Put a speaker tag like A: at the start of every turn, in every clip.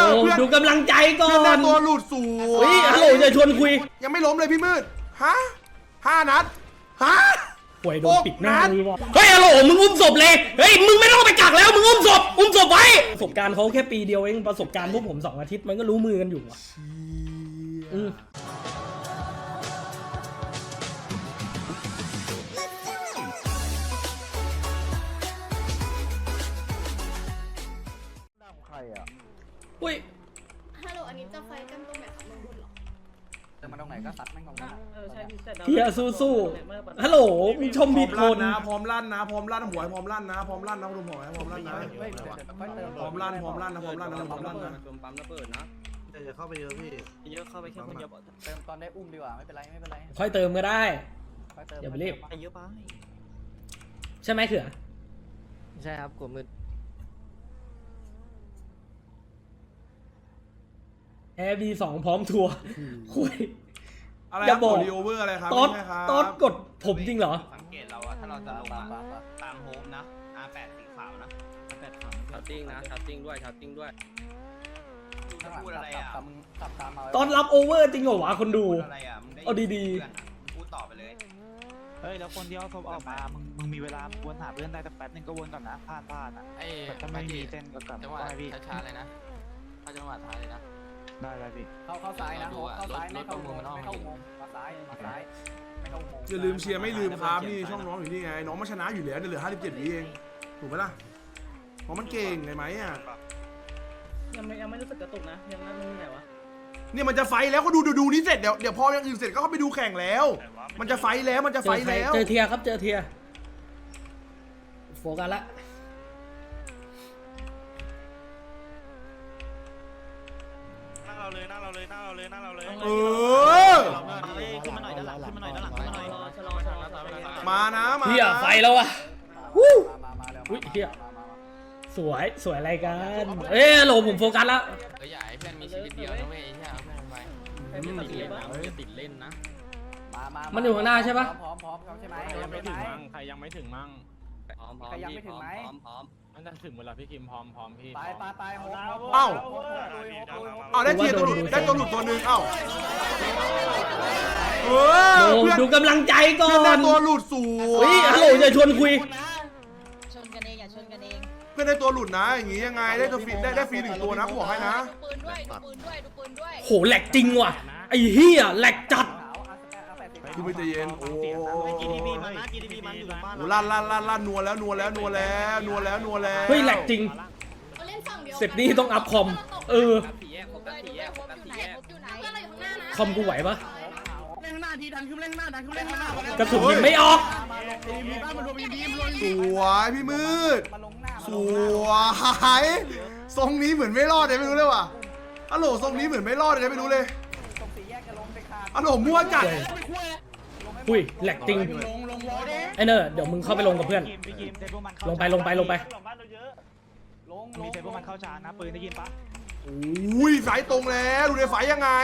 A: ดูกำลังใจก่อน
B: เพื่อนตัวหลุดสูง
A: เฮ้ยฮัลโหลจะชวนคุย
B: ยังไม่ล้มเลยพี่มืดฮะ5 นัดฮะ
A: ป่วยโดนปิดหน้าเลยว่ะเฮ้ยฮัลโหลมึงอุ้มศพเลยเฮ้ยมึงไม่ต้องไปกักแล้วมึงอุ้มศพไว้ประสบการณ์เขาแค่ปีเดียวเองประสบการณ์พวกผม2 อาทิตย์มันก็รู้มือกันอยู่ว่ะ
B: ใครอ่ะ
A: อุ้ย
C: ฮัลโหลอันนี้จะไฟกันตรงไหนครับเมืองบนเหรอ
D: แต่มาตรงไหนก็ซัดแม่งตรงนั้น
E: ใช่พี่
A: เฮียสู้ฮัลโหลมึงชมผิดคน
B: พร้อมลั่นนะพร้อมลั่นหัวพร้อมลั่นนะพร้อมลั่นนะคุณหมอพร้อมลั่นนะพร้อมลั่นนะพร้อมลั่นนะ
E: ปั๊มระเบิดนะ
F: จะเข้าไปเยอะพี่
E: เยอะเข้าไปแค่คนเดียว
D: เติมตอนได้อุ้มดีกว่าไม่เป็นไรไม่เป็นไร
A: ค่อยเติมก็ได้
D: ค่อยเติม
A: อย่าไปรีบ
E: เยอะไป
A: ใช่ไหมเขือ
E: ใช่ครับกลัวมืด
A: แอร์บี2พร้อมทัวร์คุย
B: อะไร
A: อย่าบอก
B: รีโอเวอร์อะไรครับ
A: ตอดกดผมจริงเหรอ
G: สังเกตเราอะถ้าเราจะลงนะตามโฮมนะ R8 สีขาวนะ
E: ชาร์ติ้งนะชาร์ติ้งด้วยชาร์ติ้งด้วย
G: ดูจะพูดอะไรอะ
D: มึงขับตามมา
A: ตอนรับโอเวอร์จริงเหรอวะคนดู
G: พูดอะไรอะมึงได้
A: เอาดีๆ
G: เพื่อนอะมึงพูดต่อไปเลย
F: เฮ้ยแล้วคนเดียวศพออกมามึงมีเวลาวนหาเพื่อนได้แต่แป๊บนึงก็วนก่อนนะพลาดอ่ะถ้าไม่มีเส้นก็กลับ
E: จังหวะ
F: ได้พี่
E: ช้าๆเลยนะถ้าจังหวะช้าเลยนะ
F: ได้พี่
D: เข้าซ้ายนะเข้าซ้ายไม่เข้าอุโมงมาซ้ายไม่เข้าอุโมง
B: อย่าลืมเชียร์ไม่ลืมครับนี่ช่องน้องอยู่นี่ไงน้องมาชนะอยู่แล้วเหลือ57 วิเองถูกไหมล่ะเพราะมันเก่งไงไหมอ่ะ
E: ยังไม่รู้สึกกระตุกนะยังนั่นนี่ไหนวะ
B: เนี่ยมันจะไฟแล้วก็ดูนี้เสร็จเดี๋ยวพออย่างอื่นเสร็จก็เข้าไปดูแข่งแล้ว มันจะไฟแล้วมันจะไฟแล้ว
A: เจอเทียครับเจอเทียโฟกัสละ
F: นั่งเราเลย
B: เออ
F: ขึ้นมาหน่อยด้านหลังขึ้นมาหน่อยด้านหลังขึ้นมาหน่อย
E: ชะลอ
B: มานะมา
A: เทียไฟแล้ววะวู้
D: มาแล้ว
A: อุ้ยเทียสวยอะไรกันเอ้โหลผมโฟกัสแล้ว
E: ใหญ่เพื่อนมีชีวิตเดียวนะเว้ยใช่เอาเพื่อนไปให้เพื่อนติดเล่นนะจะติดเล่นนะ
A: มันอยู่ข้างหน้าใช่ปะ
D: พร้อมใช่ไหม
F: ใครยังไม่ถึงมั่ง
E: พร้อม
F: มันจะถึงเวลาพี่คิมพร้อมพี่
D: ไปโฮม
B: เอ้าได้เทียตัวหลุดได้ตัวหลุดตัวนึงเอ้า
A: ดูกำลังใจก่อ
B: เพื่อนได้
A: น
B: ตัวหลุดสูง
A: เฮ้ยฮัลโหลจะชวนคุย
C: ชนกันเองอย่าชนกันเอง
B: เพื่อนได้ตัวหลุดนะอย่างงี้ยังไงได้ตัวฟรีได้ฟรี1 ตัวนะกูบอกให้นะ
C: ดูปืนด้วย
A: โหแหลกจริงว่ะไอ้เฮียแหลกจัด
B: พี่ไม่ใจเย็นโอ้
F: GDP มันนะ GDP มันอยู่บ้าน
B: โหลั่นนัวแล้ว
A: เฮ้ยแหลกจริง
C: เขาเล่นฝั่งเดียว
A: เสร็จนี่ต้องอัพคอม
E: สี่แยกครบ
C: ด้วย
E: สี่แยกครบ
C: อยู่
E: สี่
C: ไหน
E: แยก
C: อยู่ไหนเพื่อนเราอยู่ข้างหน้านะ
A: คอมกูไหวปะ
F: เล่นหน้าทีดันขึ้นเล่นหน้าก
A: ระสุนยิงไม่ออก
F: มีบ้านมันรวมมีดีมรวม
B: สวยพี่มืดสวยทรงนี้เหมือนไม่รอดเลยไม่รู้เลยว่ะฮัลโหลทรงนี้เหมือนไม่รอดเลยไม่รู้เลยฮัลโหลมั่วจัด
A: อุ้ยแหลกจริงไอ้เนอร์เดี๋ยวมึงเข้าไปลงกับเพื่อน ลงไป
F: มีแต่พวกมันเข้าชาร์จนะปืนได้ยินปะ
B: อุ้ยสายตรงแล้วดูในไฟยังไง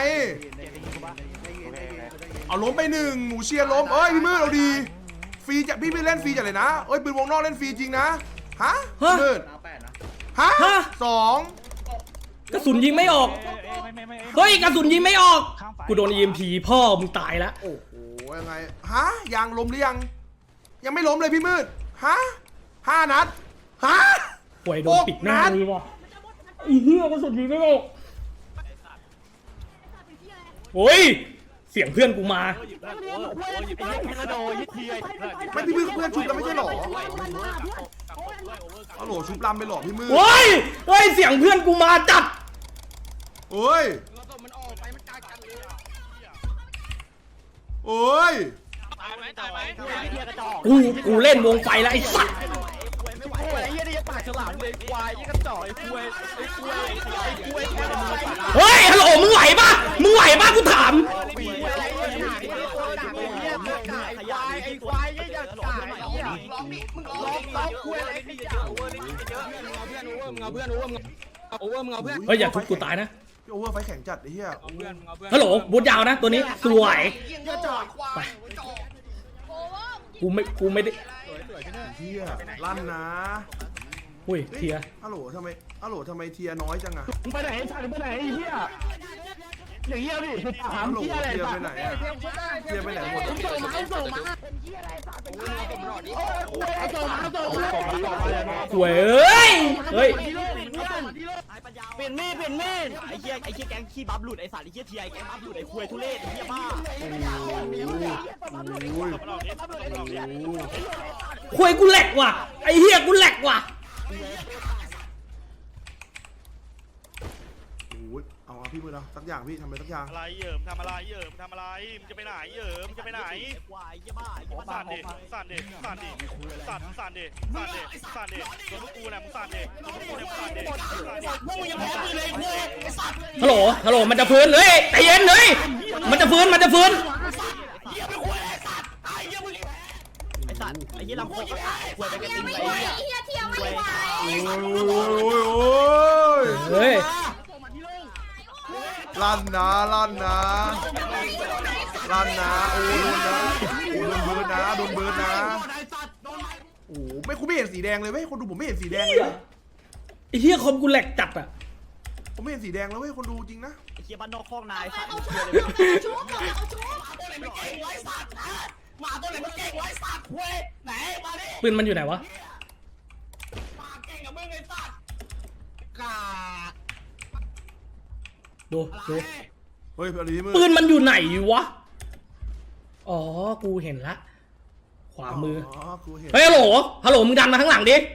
B: เอาล้มไป1หนูเชียร์ล้มเอ้ยพี่มืดเอาดีฟรีจะพี่ไม่เล่นฟรีจัดเลยนะเอ้ยปืนวงนอกเล่นฟรีจริงนะฮะมืดฮะ2
A: กระสุนยิงไม่ออกเฮ้ยกระสุนยิงไม่ออกกูโดน EMP พ่อมึงตายแล้ว
B: โอ้โหยังไงฮะยังล้มหรือยังไม่ล้มเลยพี่มืดฮะ5 นัดฮะ
A: ป่วยโดนปิดหน้าเลยว่ะไอ้เหี้ยกระสุนยิงไม่ออกโอ้ยเสียงเพื่อนกูมา
B: ไม่พี่มืดเพื่อนชุบแล้วไม่ใช่หรอฮัลโหลชุบลำไปหรอพี่มืด
A: โอ้ยเสียงเพื่อนกูมาจัด
B: โอ้ยโอ้ย
A: กูเล่นวงไฟแล้วไอ้สัสเฮ้ยฮัลโหลมึงไหวปะกูถามเฮ้ยอย่าทุบกูตายนะ
B: พี่โอเวอร์ไฟแข็งจัดไอ้เหี้ย
A: ฮัลโหลบูทยาวนะตัวนี้สวยไปกูไม่ได้
B: เหี้ยลั่นนะ
A: อุ้ยเทีย
B: ฮัลโหลทำไมเทียน้อยจังอะ
F: มึงไปไหนสัตว์มึงไปไหนไอ้เหี้ยอย่างเงี้ยดิถาม
B: ฮัลโหล
F: เหี้ยอะไร
B: เทีย
F: สั
B: ไป
F: ตว์
B: ไหนอะเทียไปไหนหมด
A: สวยเอ้ยเฮ้ย
H: เปลี่ยนมีดไอ้เหี้ยแก๊งขี้บัฟหลุดไอ้สัตว์ไอ้เหี้ยทีไอแก๊งบัฟหลุดไอ้ควยทุเรศไอ้เหี้ยบ้า
A: ควยกูแหลกว่ะไอ้เหี้ยกูแหลกว่ะ
B: โอ้ยเอาพี่มือเราสักอย่างพี่ทำอะไรสักอย่าง
I: อะไรเหยิมทำอะไรเหยิมทำอะไรมึงจะไปไหนเหยิมมึงจะไปไหน
H: ควายไอ้เหี้ยบ้าไอ้เหี้ยบ้า
I: สั่นดิสั่นดิสั่นดิสั่นสั่นดิสั่นดิสั่นดิโดนพวกกูเนี่ยมึงสั่นดิโดนพวกกูเนี่ยมึงสั่นดิพวกมึงยังแพ้ปืนเลยกูไอ้สัตว์
A: ฮัลโหลมันจะฟื้นเฮ้ยใจเย็นเลยมันจะฟื้น
H: ไอ้สัตว์ไอ้เหี้ยลำโพงก็ควยไปกัน
C: เทีย
H: ติง
C: ไม่
H: ไอ้
C: ไหว
H: เหี้ย
C: เทียไม่ไหว
B: โอ้ย
A: เฮ้ย
B: ลั่นนะโอ้โดนนะโดนเบิร์ดนะโอ้ไม่คุณไม่เห็นสีแดงเลยเว้ยคนดูผมไม่เห็นสีแดงเลย
A: ไอ้เหี้ยคอมกูแหลกจัดอ่ะ
B: ผมไม่เห็นสีแดงแล้วเว้ยคนดูจริงนะ
H: ไอ้เหี้ยบ้านนอกคอกนายสัตว์
C: เอาชุบเอาชุบ
A: ปืนมันอยู่ไหนวะดู
B: เฮ้ยอะไรมือ
A: ปืนมันอยู่ไหนวะอ๋อกูเห็นละขวามือ
B: กูเห็น
A: เฮ้ยฮัลโหลมึงดันมาข้างหลังดิ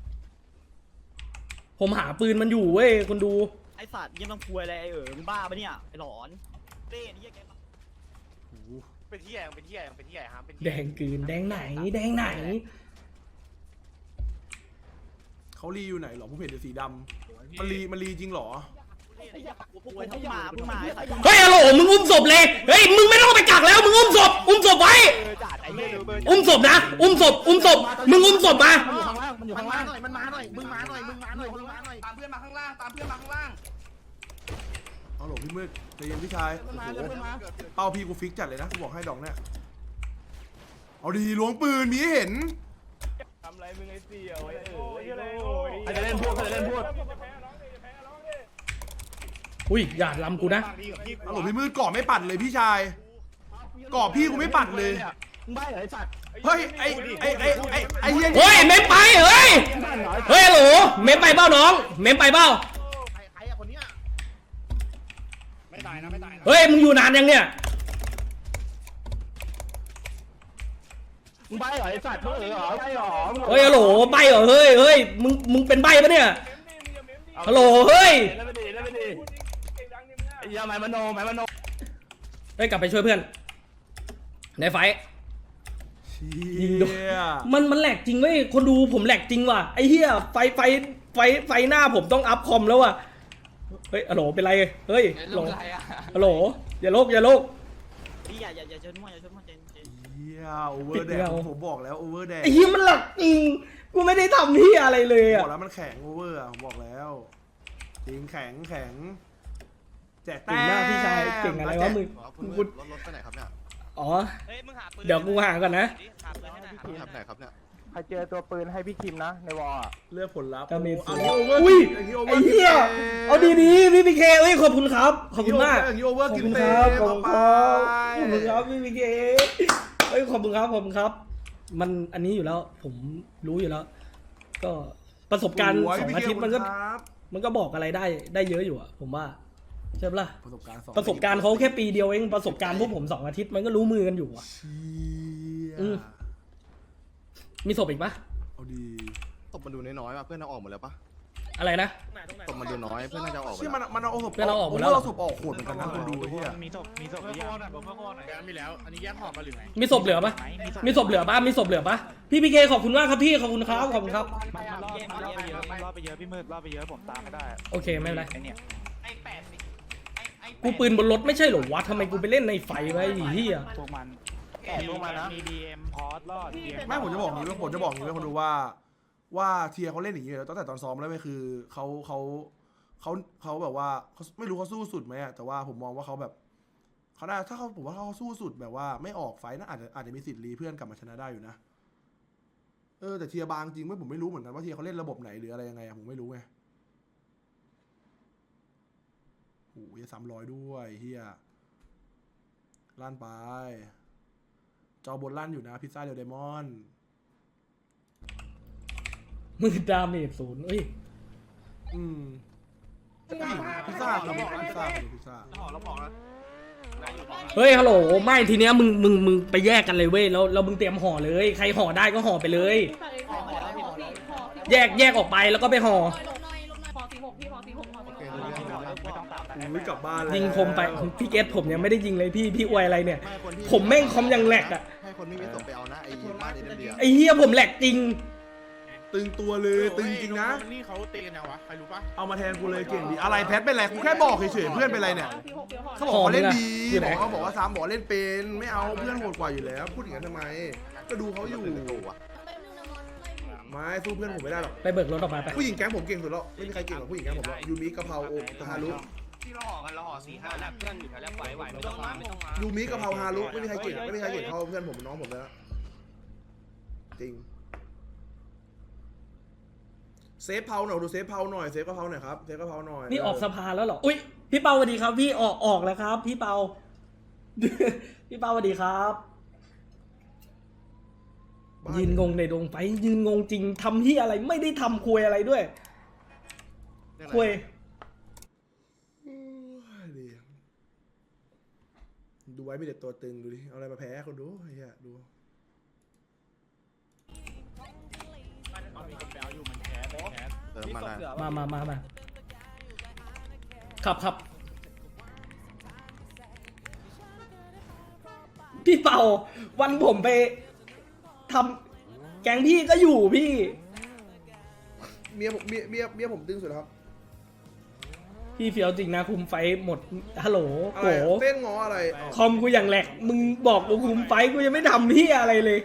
A: ผมหาปืนมันอยู่เว้ยคนดู
H: ไอ้สัตว์เหี้ยต้องควยอะไรไอ้มึงบ้าปะเนี่ยไอ้หลอนเต้นเหี้ยแก
I: เป็นที่ใหญ่เป็นที่ใหญ่เป็นที่ใหญ่ฮะเป็น
A: แดงกืนแดงไหน
B: เขารีอยู่ไหนหรอผมเห็นแต่สีดำมันรีจริงหรอ
H: ควยทั้งหมาทั้งหมาไอ้สัตว์
A: เฮ้ยฮัลโหลมึงอุ้มศพเลยเฮ้ยมึงไม่ต้องไปกักแล้วมึงอุ้มศพไว้
H: จัดไอ้เหี้ย
A: อุ้มศพนะอุ้มศพมึงอุ้มศพมา
F: มันอยู่ข้างล่าง
G: มันมาหน่อยมึงมาหน่อยตามเพื่อนมาข้างล่าง
B: เอาหลพี่มืดใจเย็นพี่ชายเป้าพี่กูฟิกจัดเลยนะกูบอกให้ดอกเนี่ยเอาดีล้วงปืนมีให้เห็น
F: ใครจะเล่นพวก
A: อุ้ยอย่าลำกูนะ
B: เอาหลพี่มืดก่อไม่ปัดเลยพี่ชายก่อพี่กูไม่ปัดเลย
F: มึงใบ้เหรอไอ้สัตว์
B: เฮ้ยไอ้เฮีย
A: เฮ้ยเมมไปเฮ้ยฮัลโหลเมมไปเปล่าน้องเมมไปเปล่า
G: ใครอะคนเนี้ยไม่ตายนะ
A: เฮ้ยมึงอยู่นานยังเนี่ย
F: มึงใบ้เหรอไอ้สัตว์มึงเหรอใบ้เหรอ
A: เฮ้ยฮัลโหลใบเหรอเฮ้ยมึงเป็นใบปะเนี่ยฮัลโหลเฮ้ย
F: เล่นไม่ดีไอ้เหี้ยหมายมโน
A: เฮ้ยกลับไปช่วยเพื่อนในไฟ ยิงโดน
B: เชี่ย
A: มันแหลกจริงเว้ยคนดูผมแหลกจริงว่ะไอ้เหี้ยไฟหน้าผมต้องอัพคอมแล้วว่ะเฮ้ยฮัลโหลเป็นไรเฮ้ยฮัลโหล
E: อะไรอ่ะ
A: ฮัลโหลอย่าโลก
H: พี่อย่าเชิญมั่วเจน
B: เฮียโอเวอร์แดงผมบอกแล้วโอเวอร์แดง
A: ไอ้เหี้ยมันหลักจริงกูไม่ได้ทำเหี้ยอะไรเลย
B: บ
A: อ่ะ
B: อกแล้วมันแข็งโอเวอร์ผมบอกแล้วจริงแข็งแจก
A: เก่งมากพี่ชายเก่งอะไรวะมึงกู
G: รถไปไหนครับเนี่ย
A: อ๋อเดี๋ยวกูหาก่อนนะ
G: ทำไหนครับเนี่ย
F: ใครเจอตัวปืนให้พี่คิมนะในวอล
B: เลือกผลลัพธ์
A: ก็มี
B: อันนี้โอเวอร์
A: อุ้ย
B: อันนี้โอเวอ
A: ไอ้
B: ร์
A: เหี้ยเอาดีพี่พีเคเอ้ยขอบคุณครับขอบคุณมาก
B: อย่างนี้โอเวอร์
A: ขอบ
B: กิน
A: คุณ
B: เต็
A: ครับ
B: ม
A: ขอบคุณครับพี่พีเคเอ้ยขอบคุณครับ มันอันนี้อยู่แล้ว ผมรู้อยู่แล้ว ก็ประสบการณ์2 อาทิตย์มันก็บอกอะไรได้เยอะอยู่อะผมว่าใช่ปะล่ะ
B: ประสบการณ์สอง
A: ประสบการณ์เขาแค่ปีเดียวเองประสบการณ์พวกผม2 อาทิตย์มันก็รู้มือกันอยู่อะ
B: เชี่ย
A: อืม มีศพอีกปะ
B: เอาดี
G: ตบมันดูน้อยๆว่ะเพื่อนเอาออกหมดแล้วปะ
A: อะไรนะ
G: ตบมันดูน้อยเพื่อนน่าจะออกหมด
B: เชี่ย
G: แล้ว
B: มันเอาศพ
A: เพื่อนเราออกหมดแล้ว
B: เราศพออกโหดเหมือนกันนะคนดูไอ้เฮีย
F: มีศพหรือยัง
I: มีแล้วอันนี้แยกหอบมาหรือไง
A: มีศพเหลือปะมีศพเหลือปะมีศพเหลือปะพี่พีเคขอบคุณมากครับพี่ขอบคุณครับขอบคุณครับ
F: มันรอบไปเยอะพี่มืดรอบไปเยอะผมตามไม่ได้
A: โอเคไม่เป็นไร
F: ไอ้เนี่ย
A: กูปืนบนรถไม่ใช่เหรอวะทำไมกูไปเล่นในไฟไว้ไอ้เหี้ย
F: พวกมันมี DM พอร์ตรอด DM
B: ไม่ผมจะบอกอย่างนี้ว่าคนดูว่าเทียเขาเล่นอย่างนี้อยู่แล้วตั้งแต่ตอนซ้อมแล้วไม่คือเขาแบบว่าเขาไม่รู้เขาสู้สุดไหมอะแต่ว่าผมมองว่าเขาแบบเขาได้ถ้าเขาผมว่าเขาสู้สุดแบบว่าไม่ออกไฟน่าอาจจะมีสิทธิ์รีเพื่อนกลับมาชนะได้อยู่นะแต่เทียร์บางจริงไหมผมไม่รู้เหมือนกันว่าเทียร์เขาเล่นระบบไหนหรืออะไรยังไงอะผมไม่รู้ไงโอ้ย300ด้วยเฮียลั่นไปจอบนลั่นอยู่นะพิซซ่าเดลไดมอนด์
A: มือดาเมจศูนย์เอ้ย
B: พิซซ่าเราบอกพิซซ่าพิซซ่า
G: เราบอกแล้ว
A: เฮ้ยฮัลโหลไม่ทีเนี้ยมึงไปแยกกันเลยเว้ยแล้วมึงเตรียมห่อเลยใครห่อได้ก็ห่อไปเลย แยกออกไปแล้วก็ไปห่อ
B: ไม่กลับบ้านแล้ว
A: ยิงคมไปพี่เกตผมยังไม่ได้ยิงเลยพี่อวยอะไรเนี่ย ผมแม่งคอมยังแหลกอ่ะ
J: ให้คนไม่มีส่งไปเอานะไอ้บ้านเอเดีย
A: ไอ้เหี้ยผมแหลกจริง
B: ตึงตัวเลยตึงจริงนะ
I: นี่เขาตีกันยังวะใครรู้ปะ
B: เอามาแทนกูเลยเก่งดีอะไรแพทเป็นไรกูแค่บอกเฉยๆเพื่อนเป็นไรเนี่ยเขาบอกเขาเล่นดีเขาบอกว่าซ้ำบอกเล่นเป็นไม่เอาเพื่อนโหดกว่าอยู่แล้วพูดอย่างนั้นทำไมก็ดูเขาอยู่ไม่สู้เพื่อนผมไม่ได้หรอก
A: ไปเบิกรถออกมาไป
B: ผู้หญิงแก๊งผมเก่งสุดแล้วไม่มีใครเก่งกว่าผู้หญิงแก๊งผมหรอกยูมิกะเพราโอ๊ตฮารุ
G: ที่เราห่อกันเราห่อ4-5
D: แล้วเพื่อนอยู่แถวแล้วไหวไม่ต้องมาไม่ต้องมา
B: ยูมิกะเพราฮารุไม่มีใครเก่งเท่าเพื่อนผมน้องผมแล้วจริงเซฟเพาหน่อยดูเซฟเพาหน่อยเซฟกะเพราหน่อยครับเซฟกะเพราหน่อย
A: นี่ออกสภาแล้วเหรออุ้ยพี่เปาสวัสดีครับพี่ออกแล้วครับ พี่เปา พี่เปาสวัสดีครับ ยืนงงในดงไฟยืนงงจริงทำที่อะไรไม่ได้ทำคุยอะไรด้วยคุย
B: ดูไว้มีแต่ตัวตึงดูดิเอาอะไรมาแพ้คนดูเฮียดู
J: เติมมาได้
A: มาขับพี่เปาวันผมไปทำแก๊งพี่ก็อยู่พี่
B: เมียผมตึงสุดแล้วครับ
A: พี่เฟียวจริงนะคุมไฟหมดฮัลโหล
B: อะ
A: โห
B: ไรเต้นงออะไร
A: คอมกูอย่างแหลกมึงบอกกูคุมไฟกูยังไม่ทำพี่อะไรเลย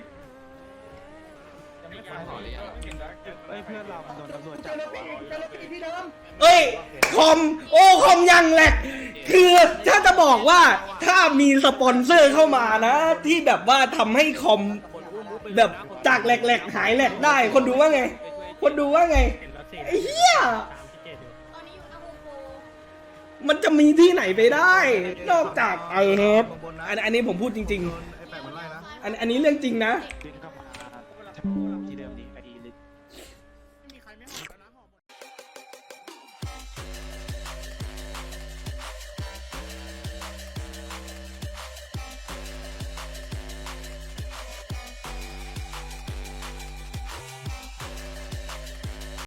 F: เอ้ยเพื่อนเรามันโดนตำรวจจับ
A: เอ้ยคอมยังแหลกคือถ้าจะบอกว่าถ้ามีสปอนเซอร์เข้ามานะ ที่แบบว่าทำให้คอมแบบจากแหลกหายแหลกได้คนดูว่าไงไอ้เหี้ยมันจะมีที่ไหนไปได้ นอกจากครับอันนี้ผมพูดจริงๆอันนี้เรื่องจริงนะ
F: ดินกระ